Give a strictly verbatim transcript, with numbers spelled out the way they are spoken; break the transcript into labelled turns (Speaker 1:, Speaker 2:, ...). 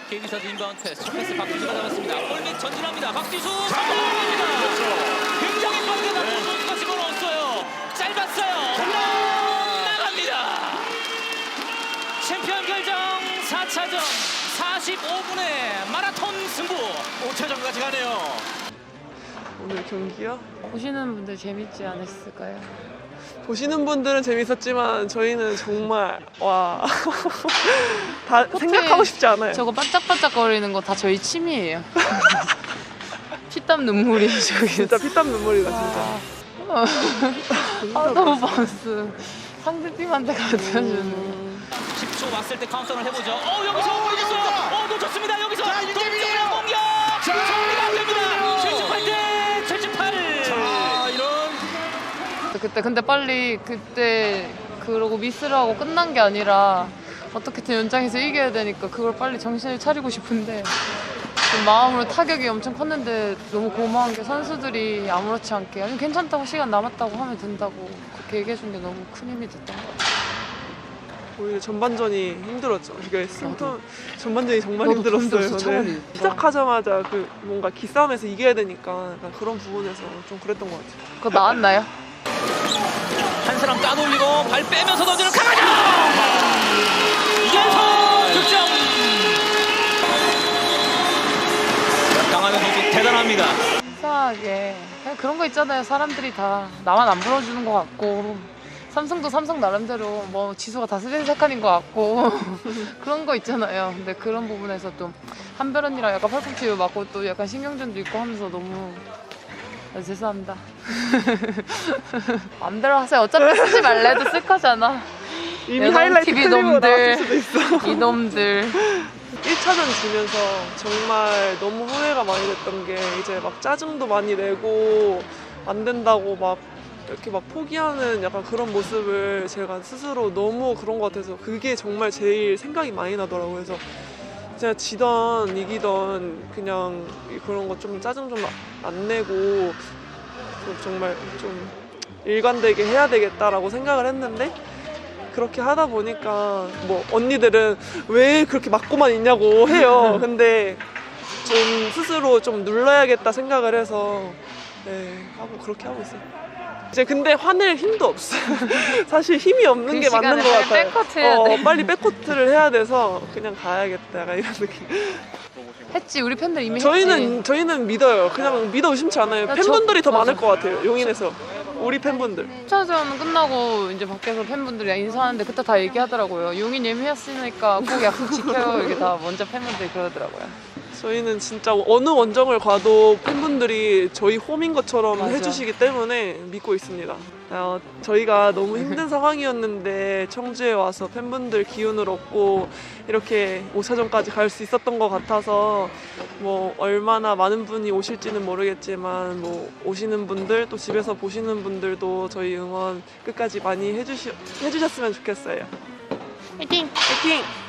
Speaker 1: 케이비사드 인바운드 패스. 패스 박지수가 잡았습니다. 골밑 전진합니다. 박지수 성공합니다. 굉장히 빠르게 박지수 선수가 집어넣었어요. 짧았어요. 나갑니다. 챔피언 결정 사 차전 사십오 분의 마라톤 승부. 오 차전까지 가네요.
Speaker 2: 오늘 경기요?
Speaker 3: 보시는 분들 재밌지 않았을까요?
Speaker 2: 보시는 분들은 재밌었지만 저희는 정말 와 다 생각하고 싶지 않아요.
Speaker 3: 저거 반짝반짝거리는 거 다 저희 침이에요. 피땀 눈물이 저기.
Speaker 2: 진짜 피땀 눈물이다 진짜.
Speaker 3: 아, 아 너무 반스. 상대팀한테 가르쳐주는.
Speaker 1: 십 초 왔을 때 카운터를 해보죠. 어 여기서 걸렸어요. 어 놓쳤습니다. 여기서 동점의 공격. 정리가 안 됩니다. 칠십팔 대 칠십팔. 자 이런.
Speaker 3: 그때 근데 빨리 그때 그러고 미스를 하고 끝난 게 아니라 어떻게든 연장에서 이겨야 되니까 그걸 빨리 정신을 차리고 싶은데 좀 마음으로 타격이 엄청 컸는데 너무 고마운 게 선수들이 아무렇지 않게 아니 괜찮다고 시간 남았다고 하면 된다고 그렇게 얘기해 준 게 너무 큰 힘이 됐던 것 같아요.
Speaker 2: 오히려 전반전이 힘들었죠. 이게 승통 전반전이 정말
Speaker 3: 나도
Speaker 2: 힘들었어요.
Speaker 3: 힘들었어, 차라리.
Speaker 2: 네. 시작하자마자 그 뭔가 기싸움에서 이겨야 되니까 약간 그런 부분에서 좀 그랬던 것 같아요.
Speaker 3: 그거 나왔나요?
Speaker 1: 한 사람 따돌리고 발 빼면서 던지는 강하죠. 이연속 득점. 강하는 선수 대단합니다.
Speaker 3: 이상하게 그냥 그런 거 있잖아요. 사람들이 다 나만 안 불러주는 것 같고 삼성도 삼성 나름대로 뭐 지수가 다 스리세칸인 것 같고 그런 거 있잖아요. 근데 그런 부분에서 좀 한별 언니랑 약간 팔꿈치 맞고 또 약간 신경전도 있고 하면서 너무 아, 죄송합니다. 맘대로 하세요. 어차피 쓰지 말래도 쓸 거잖아.
Speaker 2: 이미 하이라이트
Speaker 3: 티비
Speaker 2: 클립으로
Speaker 3: 놈들.
Speaker 2: 나왔을 수도 있어.
Speaker 3: 이놈들.
Speaker 2: 일 차전 지면서 정말 너무 후회가 많이 됐던 게 이제 막 짜증도 많이 내고 안 된다고 막 이렇게 막 포기하는 약간 그런 모습을 제가 스스로 너무 그런 것 같아서 그게 정말 제일 생각이 많이 나더라고요. 그래서 제가 지던 이기던 그냥 그런 거 좀 짜증 좀 안 내고 좀 정말 좀 일관되게 해야 되겠다라고 생각을 했는데 그렇게 하다 보니까 뭐 언니들은 왜 그렇게 맞고만 있냐고 해요. 근데 좀 스스로 좀 눌러야겠다 생각을 해서 네 하고 그렇게 하고 있어요. 이제 근데 화낼 힘도 없어요. 사실 힘이 없는
Speaker 3: 그
Speaker 2: 게 맞는 것
Speaker 3: 시간에
Speaker 2: 같아요.
Speaker 3: 빨리 백코트 해야
Speaker 2: 어,
Speaker 3: 돼.
Speaker 2: 빨리 백코트를 해야 돼서 그냥 가야겠다 약간 이런 느낌.
Speaker 3: 했지. 우리 팬들 이미
Speaker 2: 저희는
Speaker 3: 했지.
Speaker 2: 저희는 믿어요. 그냥 믿어 의심치 않아요.
Speaker 3: 나
Speaker 2: 팬분들이
Speaker 3: 저-
Speaker 2: 더 많을
Speaker 3: 맞아.
Speaker 2: 것 같아요. 용인에서 우리 팬분들.
Speaker 3: 일 차전 끝나고 이제 밖에서 팬분들이 인사하는데 그때 다 얘기하더라고요. 용인 예매했으니까 꼭 약속 지켜요. 이게 다 먼저 팬분들이 그러더라고요.
Speaker 2: 저희는 진짜 어느 원정을 가도 팬분들이 저희 홈인 것처럼
Speaker 3: 맞아.
Speaker 2: 해주시기 때문에 믿고 있습니다. 어, 저희가 너무 힘든 상황이었는데 청주에 와서 팬분들 기운을 얻고 이렇게 오 차전까지 갈 수 있었던 것 같아서 뭐 얼마나 많은 분이 오실지는 모르겠지만 뭐 오시는 분들 또 집에서 보시는 분들도 저희 응원 끝까지 많이 해주시, 해주셨으면 좋겠어요.
Speaker 3: 화이팅!
Speaker 2: 화이팅!